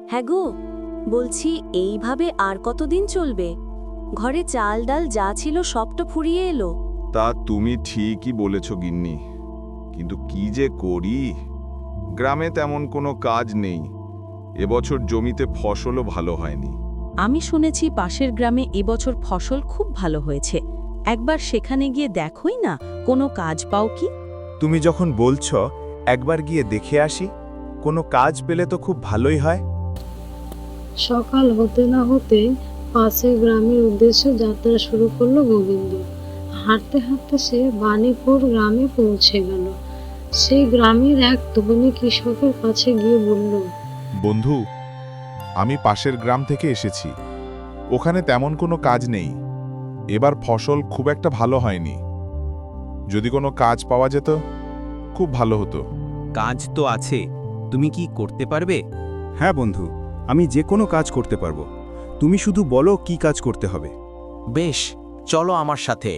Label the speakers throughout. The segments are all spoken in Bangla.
Speaker 1: হ্যাঁ গো, বলছি এইভাবে আর কতদিন চলবে? ঘরে চাল ডাল যা ছিল সব তো ফুরিয়ে এলো।
Speaker 2: তা তুমি ঠিকই বলেছ গিন্নি, কিন্তু কি যে করি। গ্রামে তেমন কোনো কাজ নেই, এবছর জমিতে ফসলও ভালো হয়নি।
Speaker 1: আমি শুনেছি পাশের গ্রামে এবছর ফসল খুব ভালো হয়েছে। একবার সেখানে গিয়ে দেখোই না, কোনো কাজ পাও কি?
Speaker 3: তুমি যখন বলছ একবার গিয়ে দেখে আসি, কোনো কাজ পেলে তো খুব ভালোই হয়।
Speaker 4: সকাল হতে না হতে পাশের গ্রামের উদ্দেশ্যে যাত্রা শুরু করলো গোবিন্দ। হাঁটতে হাঁটতে সে বাণীপুর গ্রামে পৌঁছে গেল। সেই গ্রামের এক ধনী কৃষকের কাছে গিয়ে বলল,
Speaker 3: বন্ধু, আমি পাশের গ্রাম থেকে এসেছি। ওখানে তেমন কোনো কাজ নেই। এবার ফসল খুব একটা ভালো হয়নি। যদি কোনো কাজ পাওয়া যেত খুব ভালো হতো।
Speaker 5: কাজ তো আছে, তুমি কি করতে পারবে?
Speaker 6: হ্যাঁ বন্ধু, আমি যে কোনো কাজ করতে পারবো। তুমি শুধু বলো কি কাজ করতে হবে।
Speaker 5: বেশ, চলো আমার সাথে।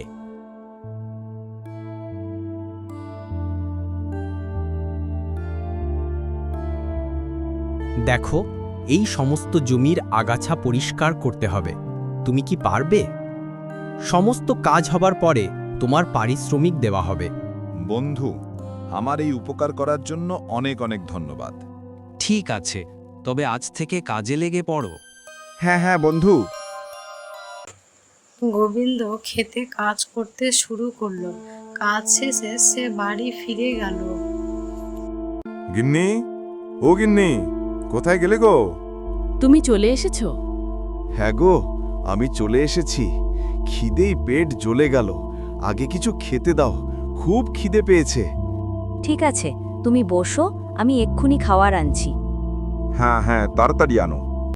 Speaker 5: দেখো, এই সমস্ত জমির আগাছা পরিষ্কার করতে হবে। তুমি কি পারবে? সমস্ত কাজ হবার পরে তোমার পারিশ্রমিক দেওয়া হবে।
Speaker 2: বন্ধু, আমার এই উপকার করার জন্য অনেক অনেক ধন্যবাদ।
Speaker 5: ঠিক আছে, তবে আজ থেকে কাজে লেগে পড়ো।
Speaker 6: হ্যাঁ হ্যাঁ বন্ধু।
Speaker 4: গোবিন্দ খেতে কাজ করতে শুরু করলো। কাজ শেষে সে বাড়ি ফিরে গেল।
Speaker 3: গিন্নি, ও গিন্নি, কোথায় গেলে গো?
Speaker 1: তুমি চলে এসেছো?
Speaker 2: হ্যাঁ গো, আমি চলে এসেছি। খিদেই পেট জ্বলে গেল। আগে কিছু খেতে দাও, খুব খিদে পেয়েছে।
Speaker 1: ঠিক আছে, তুমি বসো, আমি এক্ষুনি খাওয়ার আনছি।
Speaker 2: হ্যাঁ হ্যাঁ, তাড়াতাড়ি আনো।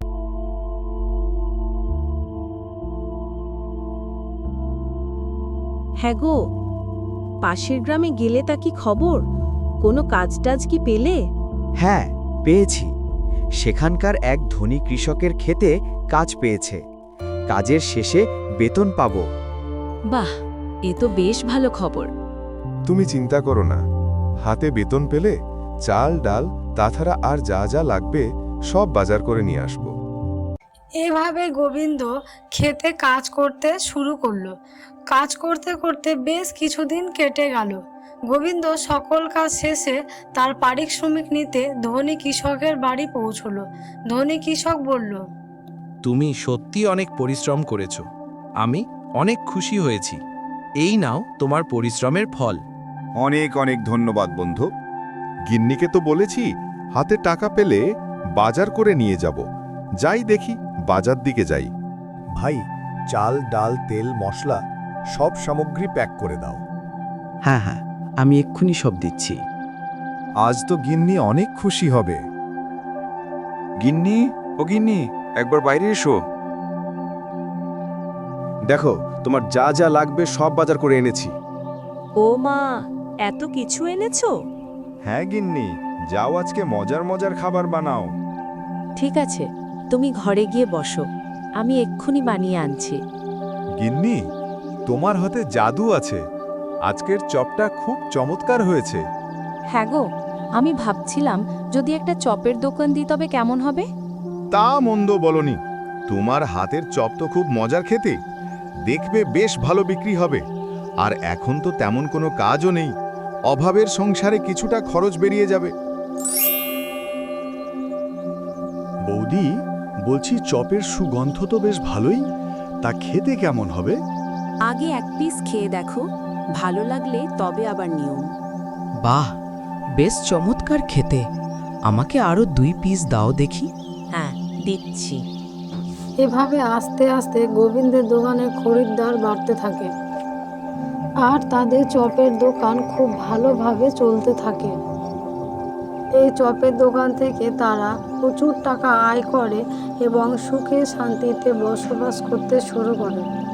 Speaker 1: হ্যাঁ গো, পাশের গ্রামে গেলে তা কি খবর? কোনো কাজ টাজ কি পেলে?
Speaker 7: হ্যাঁ, পেয়েছি। সেখানকার এক ধনী কৃষকের ক্ষেতে কাজ পেয়েছে। কাজের শেষে বেতন পাবো।
Speaker 1: বাহ, এ তো বেশ ভালো খবর।
Speaker 3: তুমি চিন্তা করো না, হাতে বেতন পেলে চাল ডাল তাছাড়া আর যা যা লাগবে সব বাজার করে নিয়ে আসবো।
Speaker 4: এভাবে গোবিন্দ খেতে কাজ করতে শুরু করলো। কাজ করতে করতে বেশ কিছুদিন কেটে গেল। গোবিন্দ সকল কাজ শেষে তার পারিশ্রমিক নিতে ধনী কৃষকের বাড়ি পৌঁছলো। ধনী কৃষক বলল,
Speaker 5: তুমি সত্যি অনেক পরিশ্রম করেছো। আমি অনেক খুশি হয়েছি। এই নাও তোমার পরিশ্রমের ফল।
Speaker 2: অনেক অনেক ধন্যবাদ বন্ধু। গিন্নিকে তো বলেছি হাতে টাকা পেলে বাজার করে নিয়ে যাব। যাই দেখি, বাজার দিকে যাই।
Speaker 3: ভাই, চাল ডাল তেল মশলা সব সামগ্রী প্যাক করে দাও।
Speaker 7: হ্যাঁ হ্যাঁ, আমি এক্ষুনি সব দিচ্ছি।
Speaker 3: আজ তো গিন্নি অনেক খুশি হবে।
Speaker 2: গিন্নি, ও গিন্নি, একবার বাইরে এসো।
Speaker 6: দেখো, তোমার যা যা লাগবে সব বাজার করে এনেছি।
Speaker 1: ও মা, এত কিছু এনেছো?
Speaker 2: হ্যাঁ গিন্নি, যাও আজকে মজার মজার খাবার বানাও।
Speaker 1: ঠিক আছে, তুমি ঘরে গিয়ে বসো, আমি এক্ষুনি বানিয়ে আনছি।
Speaker 3: গিন্নি, তোমার হাতে জাদু আছে। আজকের চপটা খুব চমৎকার হয়েছে।
Speaker 1: হ্যাঁ গো, আমি ভাবছিলাম যদি একটা চপের দোকান দিই তবে কেমন হবে।
Speaker 2: তা মন্দ বলনি, তোমার হাতের চপ তো খুব মজার খেতে। দেখবে বেশ ভালো বিক্রি হবে। আর এখন তো তেমন কোনো কাজও নেই, অভাবের সংসারে কিছুটা খরচ বেরিয়ে যাবে।
Speaker 6: বৌদি, বলছি চপের সুগন্ধ তো বেশ ভালোই, তা খেতে কেমন হবে?
Speaker 1: আগে এক পিস খেয়ে দেখো, ভালো লাগলে তবে আবার নিয়ম।
Speaker 8: বাহ, বেশ চমৎকার খেতে। আমাকে আরো 2 পিস দাও দেখি।
Speaker 1: হ্যাঁ, দিচ্ছি।
Speaker 4: এভাবে আস্তে আস্তে গোবিন্দের দোকানে খরিদ্দার বাড়তে থাকে আর তাদের চপের দোকান খুব ভালোভাবে চলতে থাকে। এই চপের দোকান থেকে তারা প্রচুর টাকা আয় করে এবং সুখে শান্তিতে বসবাস করতে শুরু করে।